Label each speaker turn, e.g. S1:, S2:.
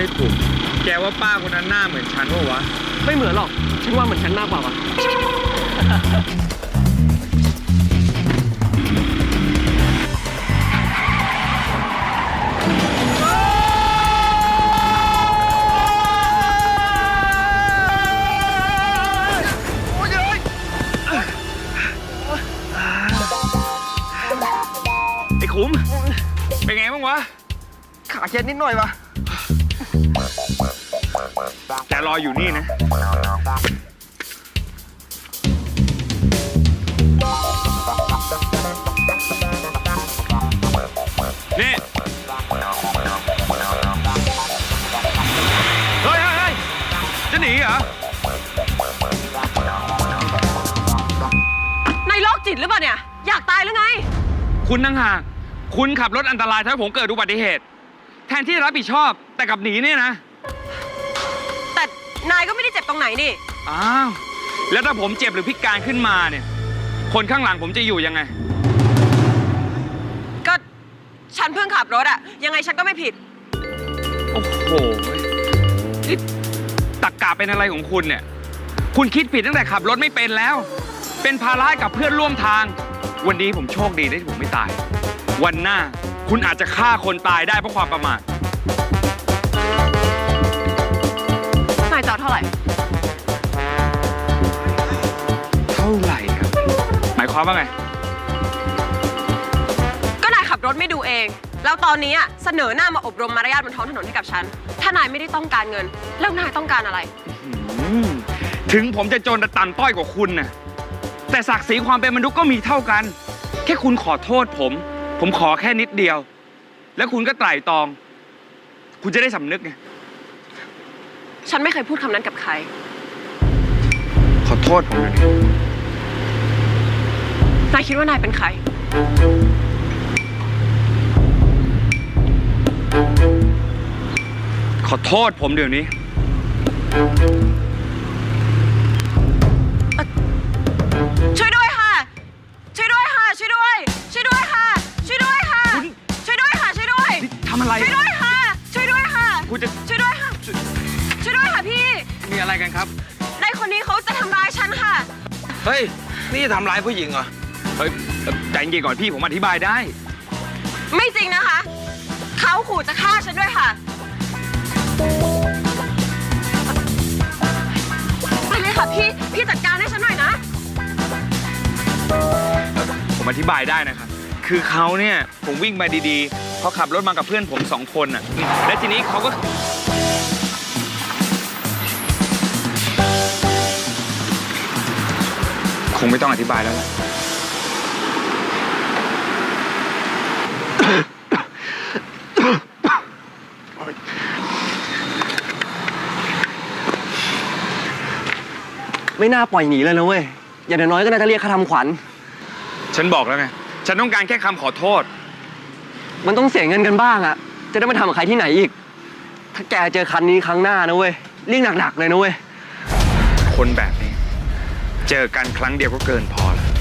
S1: ขุมแกว่าป้าคนนั้นหน้าเหมือนฉันปะวะ
S2: ไม่เหมือนหรอกฉันว่าเหมือนฉันมากกว่าวะ
S1: ไอ้ขุมเป็นไงบ้างวะ
S2: ขาเจ็บนิดหน่อยวะ
S1: แกรออยู่นี่นะนี่เฮ้ยจะหนีเหรอ
S3: นายโรคจิตหรือเปล่าเนี่ยอยากตายหรือไง
S1: คุณนั่งห่างคุณขับรถอันตรายทำให้ผมเกิดอุบัติเหตุแทนที่จะรับผิดชอบแต่กลับหนีเนี่ยนะ
S3: แต่นายก็ไม่ได้เจ็บตรงไหนนี่
S1: อ้าวแล้วถ้าผมเจ็บหรือพิการขึ้นมาเนี่ยคนข้างหลังผมจะอยู่ยังไง
S3: ก็ฉันเพิ่งขับรถอะยังไงฉันก็ไม่ผิด
S1: โอ้โหนี่ตรรกะเป็นอะไรของคุณเนี่ยคุณคิดผิดตั้งแต่ขับรถไม่เป็นแล้วเป็นภาระกับเพื่อนร่วมทางวันนี้ผมโชคดีที่ผมไม่ตายวันหน้าคุณอาจจะฆ่าคนตายได้เพราะความประมาท
S3: นายจอดเท่าไหร่
S1: ครับหมายความว่าไง
S3: ก็นายขับรถไม่ดูเองแล้วตอนนี้เสนอหน้ามาอบรมมารยาทบนท้องถนนให้กับฉันถ้านายไม่ได้ต้องการเงินแล้วนายต้องการอะไร
S1: ถึงผมจะจนแต่ต่ำต้อยกว่าคุณน่ะแต่ศักดิ์ศรีความเป็นมนุษย์ก็มีเท่ากันแค่คุณขอโทษผมขอแค่นิดเดียวแล้วคุณก็ไตร่ตรองคุณจะได้สำนึกไง
S3: ฉันไม่เคยพูดคำนั้นกับใคร
S1: ขอโทษผมเลย
S3: นายคิดว่านายเป็นใคร
S1: ขอโทษผมเดี๋ยวนี้
S3: ช่วยด้วยค่ะช่วยด้วยค่ะช่วยด้วยช่วยด้วยค่ะช่วยด้วยค่ะช่วยด้วยค่ะช่วยด้วย
S1: ทำอะไร
S3: ช่วยด้วยค่ะช่วยด้วยค่ะ
S1: คุณจะ
S3: ช่วยด้วยค่ะช่วยด้วยค่ะพี่
S1: มีอะไรกันครับ
S3: นายคนนี้เขาจะทำร้ายฉันค่ะ
S4: เฮ้ยนี่จะทำร้ายผู้หญิงเหรอ
S1: เฮ้ยใจเย็นก่อนพี่ผมอธิบายได้
S3: ไม่จริงนะคะเขาขู่จะฆ่าฉันด้วยค่ะไปเลยค่ะพี่จัดการให้ฉันหน่อยนะ
S1: ผมอธิบายได้นะครับคือเขาเนี่ยผมวิ่งมาดีๆเขาขับรถมากับเพื่อนผม2 คนน่ะและทีนี้เขาก็คงไม่ต้องอธิบายแล้วล่ะ
S2: ไม่น่าปล่อยหนีเลยนะเว้ยอย่างน้อยก็น่าจะเรียกค่าทำขวัญ
S1: ฉันบอกแล้วไงฉันต้องการแค่คำขอโทษ
S2: มันต้องเสียเงินกันบ้างอะจะได้ไม่ทำกับใครที่ไหนอีกถ้าแกเจอคันนี้ครั้งหน้านะเว้ยเรียกหนักๆเลยนะเว้ย
S1: คนแบบนี้เจอกันครั้งเดียวก็เกินพอแล้ว